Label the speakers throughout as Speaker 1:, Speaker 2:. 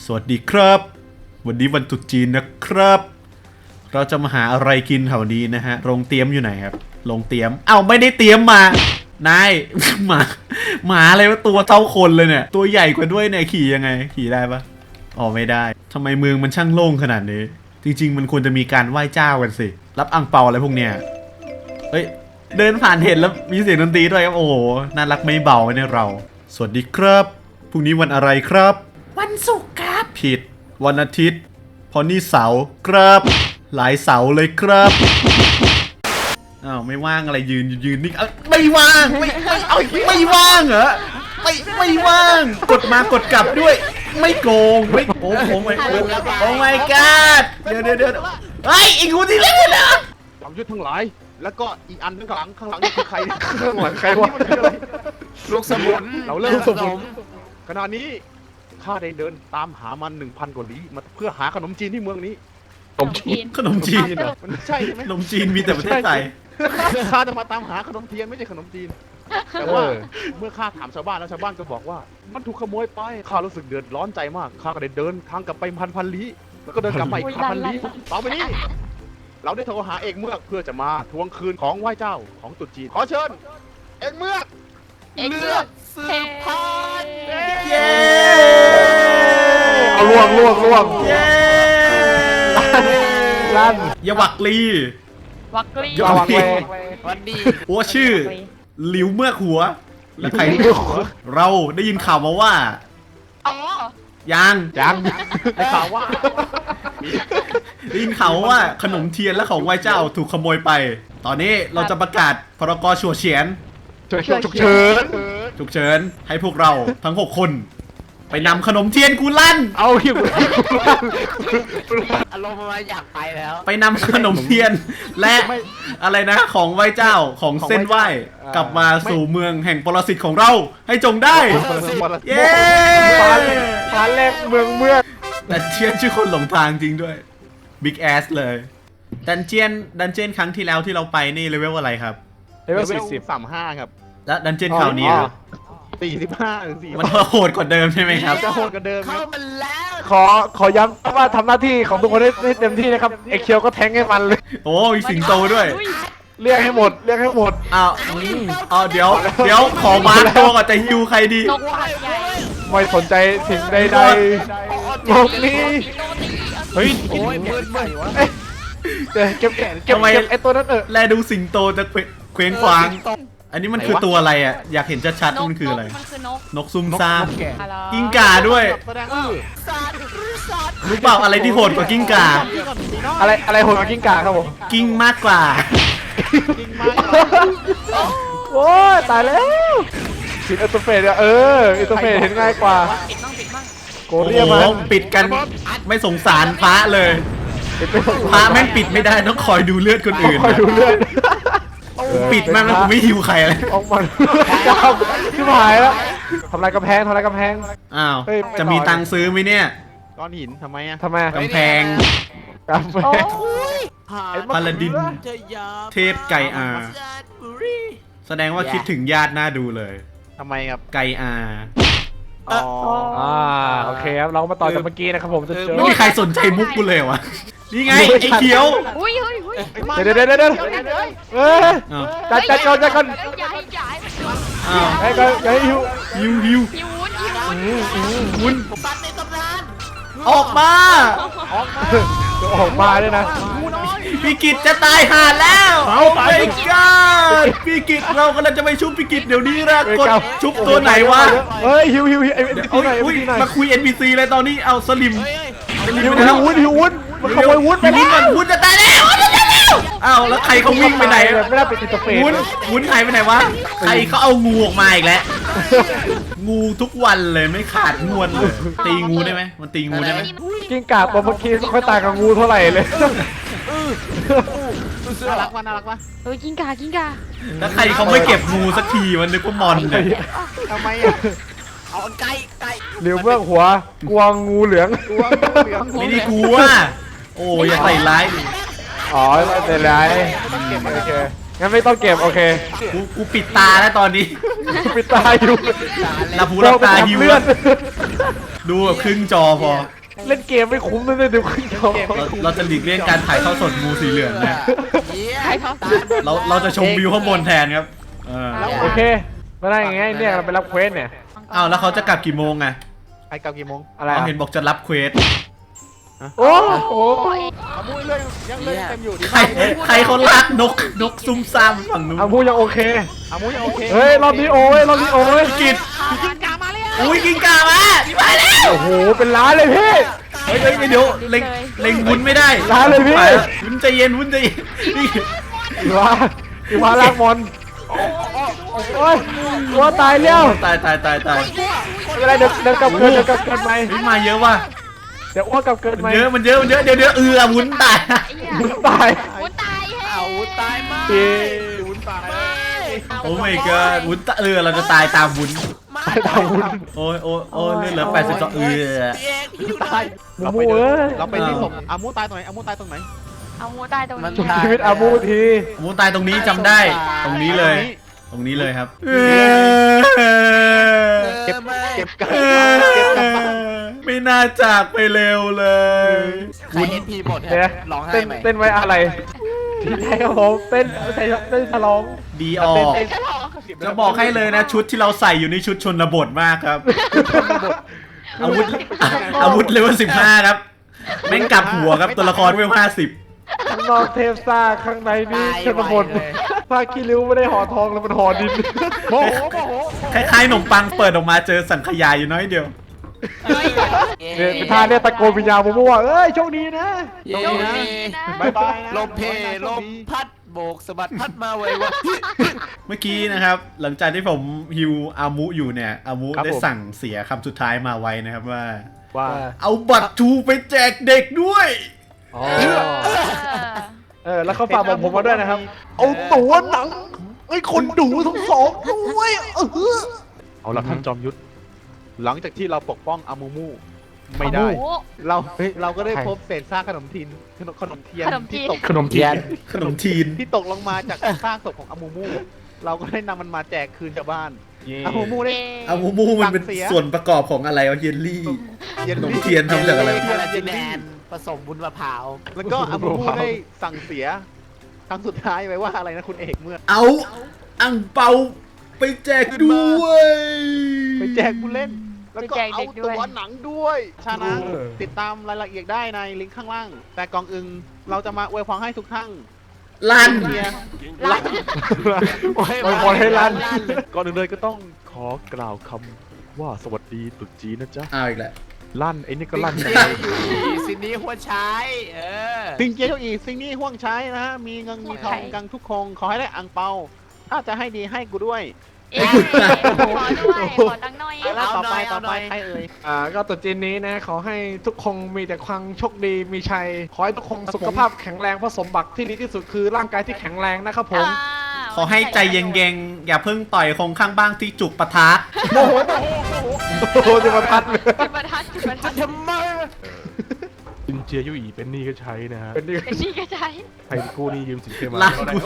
Speaker 1: สวัสดีครับวันนี้วันตรุษจีนนะครับเราจะมาหาอะไรกินแถวนี้นะฮะโรงเตรียมอยู่ไหนครับโรงเตรียมไม่ได้เตรียมมานาย หมาอะไรวะตัวเท่าคนเลยเนี่ยตัวใหญ่กว่าด้วยเนี่ยขี่ยังไงขี่ได้ปะไม่ได้ทำไมเมืองมันช่างโล่งขนาดนี้จริงๆมันควรจะมีการไหว้เจ้ากันสิรับอั่งเปาอะไรพวกเนี้ยเฮ้ยเดินผ่านเห็นแล้วมีเสียงดนตรีด้วยครับโอ้โหน่ารักไม่เบาเนี่ยเราสวัสดีครับพรุ่งนี้วันอะไรครับวันศุกร์ครับผิดวันอาทิตย์พอนี่เสาร์ครับหลายเสาร์เลยครับไม่ว่างอะไรยืนนี่ไม่ว่างไม่ว่างเหรอไม่ว่างกดมากดกลับด้วยไม่โกงไม่โอ้ my god เดี๋ยวเฮ้ยอีกคนที่เล่นนะ
Speaker 2: จอมยุทธทั้งหลายแล้วก็อีกอันข้างหลังนี่คือใครข้างหลังใครวะลูกสมุนเราเริ่มสมุนขณะนี้ข้าได้เดินตามหามัน 1,000 กว่าลี้มาเพื่อหาขนมจีนที่เมืองนี้
Speaker 1: ขนมจีน
Speaker 2: มันใช่ไหม
Speaker 1: ขนมจีนมีแต่ประเทศไทย
Speaker 2: ข้าจะมาตามหาขนมเทียนไม่ใช่ขนมจีนแต่ว่าเมื่อข้าถามชาวบ้านแล้วชาวบ้านก็บอกว่ามันถูกขโมยไปข้ารู้สึกเดือดร้อนใจมากข้าก็ได้เดินทางกลับไปพันลี้แล้วก็เดินกลับไปอีกพันลี้ต่อไปนี้เราได้โทรหาเอกเมือกเพื่อจะมาทวงคืนของไหว้เจ้าของตรุษจีนขอเชิญเอกเมือกเลือกสืบพันธุ์
Speaker 1: เย้
Speaker 3: เอาล่วง
Speaker 1: เย้
Speaker 3: ลั่น
Speaker 1: อย่าวักลี
Speaker 3: อย่าวักเล
Speaker 2: วันดี
Speaker 1: หัวชื่อหลิวเมือกหัวและใครเราได้ยินข่าวมาว่ายัง
Speaker 2: ได้ข่าวว่า
Speaker 1: ได้ยินข่าวว่าขนมเทียนและของไหว้เจ้าถูกขโมยไปตอนนี้เราจะประกาศพรก.ฉุกเฉิน
Speaker 3: ฉุกเฉิน
Speaker 1: ให้พวกเราทั้ง6 คนไปนำขนมเทียนกูลั่น
Speaker 3: เอาหิว
Speaker 2: อารมณ์มาอยากไปแล้ว
Speaker 1: ไปนำขนมเทียนและอะไรนะของไหว้เจ้าของเส้นไหว้กลับมาสู่เมืองแห่งปรสิตของเราให้จงได้เย้
Speaker 3: พาแรกเมือง
Speaker 1: แต่เทียนชื่อคนหลงทางจริงด้วยบิ๊กแอสเลยดันเจียนครั้งที่แล้วที่เราไปนี่เลเวลอะไรครับ
Speaker 3: เลเวล
Speaker 2: 35ครับ
Speaker 1: แล้วดันเจียนคราวนี้
Speaker 2: 45
Speaker 1: มันโหดกว่าเดิมใช่ไหมครับ
Speaker 2: จะโหดกว่าเดิมเข้ามา
Speaker 3: แล้วขอย้ำว่าทำหน้าที่ของทุกคนให้เต็มที่นะครับเอ็กเคียวก็แทงให้มันเลย
Speaker 1: มีสิงโตด้วย
Speaker 3: เรียกให้หมดเ
Speaker 1: เดี๋ยวขอมาตัวก่อนจะฮิวใครดี
Speaker 3: ไม่สนใจสิ่งใดๆโลกนี้เฮ้ยโอ้ยมืดวะเก็บไอ้ตัวนั้น
Speaker 1: แลดูสิงโตจะเคว้งคว้างอันนี้มันคือตัวอะไรอ่ะอยากเห็นชัดๆมันคืออะไรนกซุ่มซ่ามกิ้งก่าด้วยรู้เปล่าอะไรที่โหดกว่ากิ้งก่า
Speaker 3: อะไรโหดกว่ากิ้งก่าครับผม
Speaker 1: กิ้งมากกว่า
Speaker 3: โอ้ยตายแล้วปิดอัตโตเฟสอัตโตเฟสเห็นง่ายกว่าโกเรียมา
Speaker 1: ปิดกันไม่สงสารพระเลยพระแม่งปิดไม่ได้ต้องคอยดูเลือดคนอื่น
Speaker 3: คอยดูเลือด
Speaker 1: ปิดมากแล้วกูไม่หิวใครเลย
Speaker 3: ออกมาที่หายแล้วทำลายกำแพง
Speaker 1: จะมีตังค์ซื้อไหมเนี่ย
Speaker 2: ก้อนหินทำไม
Speaker 1: กำแพงพาลาดินเทพไก่อาแสดงว่าคิดถึงญาติน่าดูเลย
Speaker 2: ทำไมครับ
Speaker 1: ไก่อา
Speaker 3: โอเคครับเรามาต่อจากเมื่อกี้นะครับผมจะเจอ
Speaker 1: ไม่มีใครสนใจมุกกูเลยวะนี่ไงไอ้เขียว
Speaker 3: เดี๋ยวจัดก่อนอย่าหิว
Speaker 1: วุ้นออกมา
Speaker 3: ด้วยนะ
Speaker 1: พี่กิตจะตายห่าแล้วไอ้ก้าพี่กิตเรากำลังจะไปชุบพี่กิตเดี๋ยวนี้นะกดชุบตัวไหนวะ
Speaker 3: เฮ้ยหิว
Speaker 1: มาคุย NPC เลยตอนนี้เอาสลิม
Speaker 3: หิววุ้นมันขโมยวุ้นไปแล้ว
Speaker 1: วุ้นจะตายแล้วแล้วใครเขาวิ่งไปไหน
Speaker 3: ไม่ได้ไปติดตัวเฟร
Speaker 1: วุ้นหายไปไหนวะใครเขาเอางูออกมาอีกแล้วงูทุกวันเลยไม่ขาดงวนเลยตีงูได้ไหมมันตีงูได้ไหม
Speaker 3: กิ้งก่าตัวเมื่อกี้ไม่ค่อยตายกับงูเท่าไหร่เลย
Speaker 2: น่ารักวะ
Speaker 4: กิ้งก่า
Speaker 1: แล้วใครเขาไม่เก็บงูสักทีมันนึกว่ามอนเลย
Speaker 2: ทำไมเอาไก่
Speaker 3: เหลียวเบื้องหัวกวางงูเหลือง
Speaker 1: ไม่ได้กลัวอย่าใส่ร้าย
Speaker 3: ไม่ใส่ร้ายโอเคงั้นไม่ต้องเก็บโอเค
Speaker 1: กูปิดตาแล้วตอนนี้
Speaker 3: ปิดตาอยู่
Speaker 1: หลับหูหลับตาหิว
Speaker 3: เลือด
Speaker 1: ดูแบบครึ่งจอพอ
Speaker 3: เล่นเกมไม่คุ้มเลยดูขึ้นจอ
Speaker 1: เราจะหลีกเลี่ยงการถ่ายทอดสดงูสีเหลืองนะ
Speaker 4: ใครเขาตาย
Speaker 1: เราจะชมวิวข้างบนแทนครับ
Speaker 3: โอเคไม่ได้ยังไงเนี่ยเราไปรับเควสเนี่ย
Speaker 1: อ้าวแล้วเขาจะกลับกี่โมงอะ
Speaker 2: ไอ้กลับกี่โมง
Speaker 3: อะไร
Speaker 1: เขาเห็นบอกจะรับเควส
Speaker 3: โอ้โห
Speaker 2: อามูเรื่องยังเล่นเต็มอยู่ดิ
Speaker 1: ใครเขาลากนกซุ่มซ่ามฝั่งนู้น
Speaker 3: อามูยังโอเค
Speaker 2: อามูยังโอเค
Speaker 3: เฮ้ยรอบนี้โอ้ยรอบนี้โอ้ย
Speaker 1: กิด
Speaker 2: กินกามาเลย
Speaker 1: อุ้ยกินกามาพี่ไปแล้ว
Speaker 3: โอ้โหเป็นล้านเลยพี่
Speaker 1: เฮ้ยเดี๋ยวเล็งวุ้นไม่ได้
Speaker 3: ล้านเลยพี่
Speaker 1: ไปแล้ววุ้นใจเย็นวุ้นใจเย็นนี่
Speaker 3: อีวาลากมอนโอ้ยว่าตายแล้ว
Speaker 1: ตาย
Speaker 3: ไม่เป็นไรเดี๋ยวกลับเกินไหม
Speaker 1: นี่มาเยอะว่ะ
Speaker 3: เดี๋ยวอ้วกกลับเกินไหม
Speaker 1: มันเยอะเดี๋ยววุ้นตาย
Speaker 3: วุ้นตาย
Speaker 4: วุ้นตายเฮ้
Speaker 2: เอาวุ้นตายมาก
Speaker 3: พี่
Speaker 2: วุ้นตาย
Speaker 1: โอ้ my god วุ้นตะเราจะตายตามวุ้น
Speaker 3: ตายตามวุ้น
Speaker 1: โอ้ยเลือดเหลือ82
Speaker 2: ตาย
Speaker 3: มูมูเอ้ย
Speaker 2: เราไปที่ศพอามูตายตรงไหนอามูตายตรงไหน
Speaker 4: เอามูตายตรงนี้
Speaker 3: ชุบชีวิตอามูที
Speaker 1: วุ้นตายตรงนี้จำได้ตรงนี้เลยครับ
Speaker 2: เก็บกัน
Speaker 1: ไม่น่าจากไปเร็วเลย
Speaker 5: ใครเห็นพีหมด
Speaker 3: เดี๋ยว
Speaker 5: ร้องไห้
Speaker 3: เต้น
Speaker 5: ไหม
Speaker 3: เต้นไว้อะไรที่ไหนครับผมเต้นฉลอง
Speaker 1: ดีออกจะบอกให้เลยนะชุดที่เราใส่อยู่ในชุดชนบทมากครับ อาวุธเลเวล15ครับแม่งกลับหัวครับตัวละครเลเวล50
Speaker 3: ข้างนอกเทพซ่าข้างในนี่ชนบทผ้าขี้ริ้วไม่ได้ห่อทองแล้วมันห่อดิน
Speaker 2: โมโห
Speaker 1: คล้ายๆขนมปังเปิดออกมาเจอสังขยาอยู่น้อยเดียว
Speaker 3: เนี่ยเป็นท่าเนี่ยตะโกนวิญญาณผมว่าเอ้ยโชคดีนะ
Speaker 5: เย้
Speaker 2: บายบายนะ
Speaker 5: ลมเพลมพัดโบกสะบัดพัดมาไววะ
Speaker 1: เมื่อกี้นะครับหลังจากที่ผมฮิวอามุอยู่เนี่ยอามุได้สั่งเสียคำสุดท้ายมาไว้นะครับว่า
Speaker 2: ว่า
Speaker 1: เอาบัตรทูไปแจกเด็กด้วย
Speaker 3: แล้วเขาฝากบอกผมมาด้วยนะครับ เอาตั๋วหนังไอ้คนดูทั้งสองด้วย
Speaker 2: เอาละท่านจอมยุทธหลังจากที่เราปกป้องอามูมูไม่ได้ เราก็ได้พบเศษซากขนมเทียนที่ตก
Speaker 3: ขนมเทียน
Speaker 1: ขนมทีน
Speaker 2: ที่ตกลงมาจากซากศพของอามูมูเราก็ได้นำมันมาแจกคืนชาวบ้านอามูมูได้
Speaker 1: อามูมูมันเป็นส่วนประกอบของอะไรวะเยลลี่ ขนมเทียนทำจากอะไร
Speaker 5: คาราเจแนนผสมบุญมะพร้าว
Speaker 2: แล้วก็อามูมูได้สั่งเสียครั้งสุดท้ายไว้ว่าอะไรนะคุณเอกเมื่อ
Speaker 1: เอาอังเปาไปแจกด้วย
Speaker 2: ไปแจกผู้เล่น แล้วก็เอาตัวหนังด้วยชนะติดตามรายละเอียดได้ในลิงก์ข้างล่าง แต่ก่อนอื่นเราจะมาอวยพรให้ทุกท่าน
Speaker 1: ลั่น
Speaker 4: ลั่น
Speaker 3: โอ้ยพอให้ลั่น
Speaker 2: ก่อนอื่นเลยก็ต้องขอกล่าวคำว่าสวัสดีตรุษจีนนะจ๊ะ
Speaker 1: เอาอีกแล้ว
Speaker 2: ลั่นไอ้นี่ก็ลั่น
Speaker 5: สินนี้หัวใช้
Speaker 2: สิ่งเจียวอีสิ่งนี้ห่วงใช้นะฮะมีเงินมีทองกันทุกคงขอให้ได้อังเปา ถ้าจะให้ดีให้กูด้วย
Speaker 4: ขอด้วยขอตังค์หน่อย
Speaker 2: แล้วต่อไปใครเอ่ย
Speaker 3: ก็ตรุษจีนนี้นะขอให้ทุกคนมีแต่ความโชคดีมีชัย ขอให้ทุกคนสุขภาพแข็งแรงเพราะสมบัติที่ดีที่สุดคือร่างกายที่แข็งแรงนะครับผม
Speaker 1: ขอให้ใจเย็นๆอย่าเพิ่งต่อยคงข้างบ้างที่จุกปะทะ
Speaker 3: โอ้โหจะมาทัดเลย
Speaker 4: จุดประทัดจุดประทัด
Speaker 5: ทำไม
Speaker 2: จินเจียยุอีเป็นนี่ก็ใช้นะฮะ
Speaker 3: เป็นดี
Speaker 4: เป็นนี่ก็ใช้
Speaker 2: ใครกู้นี่ยืมสินเชื่อมา
Speaker 1: ลาก
Speaker 2: ก็ได้
Speaker 1: กู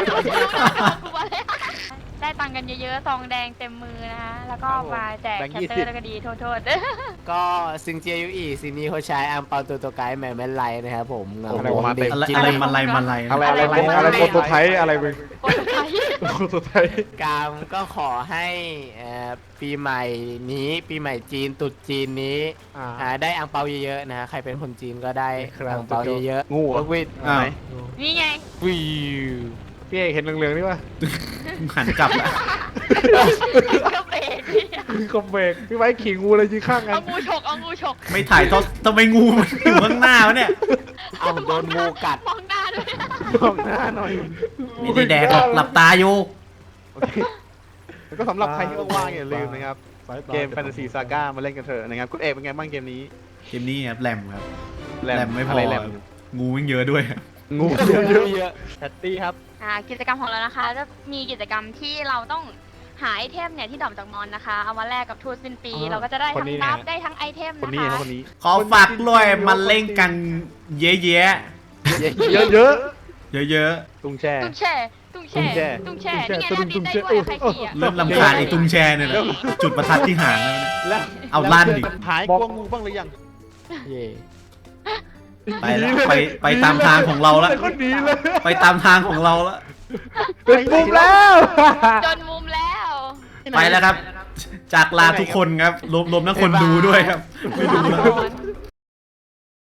Speaker 4: ได้ตังค์กันเยอะๆซองแดงเต็มมือนะคะแล้วก็มาแจกแคตเตอร์แล้วก็ดีโทษ
Speaker 5: ก็ซิงเจียยูอีสินนี้หัวใช้อังเปาตัวไกด์แม่แม่ไลนะครับผมเงา
Speaker 1: อะไร
Speaker 5: วงดี
Speaker 1: อะไรมาไล่
Speaker 3: อะไรโปรโตไทป์อะไรมึง
Speaker 4: โอ้ยไทย
Speaker 3: โปรโตไทป์
Speaker 5: กามก็ขอให้ปีใหม่นี้ปีใหม่จีนตรุษจีนนี้ได้อังเปาเยอะๆนะฮะใครเป็นคนจีนก็ได้อังเปาเยอะๆ
Speaker 2: งูเหรอ
Speaker 5: วิท
Speaker 1: อ้าว
Speaker 4: นี่ไง
Speaker 5: วิว
Speaker 3: พี่เอกเห็นเหลืองๆนี่ป่ะ
Speaker 1: หันกลับละ
Speaker 4: ก็เบรกพี่
Speaker 3: คอมเบกพี่ไว้ขี่งูเลยยืนข้างกัน
Speaker 4: เอางูฉกเอางูฉก
Speaker 1: ไม่ถ่ายทอดทำไมงูมันอยู่ข้างหน้าวะเนี่ย
Speaker 5: เอาโดนงูกัด
Speaker 4: มองหน้าด้วย
Speaker 2: มองหน้าหน่อย
Speaker 1: ไม่ได้แดกหรอกหลับตาอยู่
Speaker 2: โอเคแล้วก็สำหรับใครที่ว่างๆอย่าลืมนะครับ เกม Fantasy Saga มาเล่นกันเถอะนะครับคุณเอกเป็นไงบ้างเกมนี้
Speaker 1: เกมนี้ครับแรมครับ
Speaker 2: แร
Speaker 1: แร
Speaker 2: ม
Speaker 1: มไม่พ
Speaker 2: อะ
Speaker 1: อ
Speaker 2: ไรแรม
Speaker 1: งูมันเยอะด้วย
Speaker 2: งู
Speaker 5: เยอะ
Speaker 2: แพตตี้ครับ
Speaker 4: กิจกรรมของเรานะคะจะมีกิจกรรมที่เราต้องหาไอเทมเนี่ยที่ดรอปจากมอนนะคะเอามาแลกกับทูตสิ้นปีเราก็จะได้ทั้งบัฟได้ทั้งไอเทม
Speaker 2: คน
Speaker 4: นะ
Speaker 2: นี้
Speaker 4: คะ
Speaker 2: นะคนนี้
Speaker 1: ขอฝากด้วยมาเล่นกันเยอะ
Speaker 3: เยอะ
Speaker 1: ๆเยอะ
Speaker 2: ตุ้งแช่
Speaker 4: ตุ้งแช่ตุ้งแช่นี่ไงนะบินได้ด้วยใครขี่อ่ะ
Speaker 1: เริ่มลำคาญไอ้ตุ้งแชเนี่ยนะจุดประทัดที่หางแล้วเนี่ย
Speaker 2: แล้ว
Speaker 1: เอาลั่นดิ
Speaker 2: หายกลัวงูบ้างหรือยัง
Speaker 5: เย่
Speaker 1: ไปแล้วไปตามทางของเราแล้ว
Speaker 3: คนดีเลย
Speaker 1: ไปตามทางของเราแล้ว
Speaker 3: เป็นมุมแล้ว
Speaker 4: จนมุมแล้ว
Speaker 1: ไปแล้วครับ จากลาทุกคนครับรวมทั้งคนดูด้วยครับ ไม่ดูแล้ว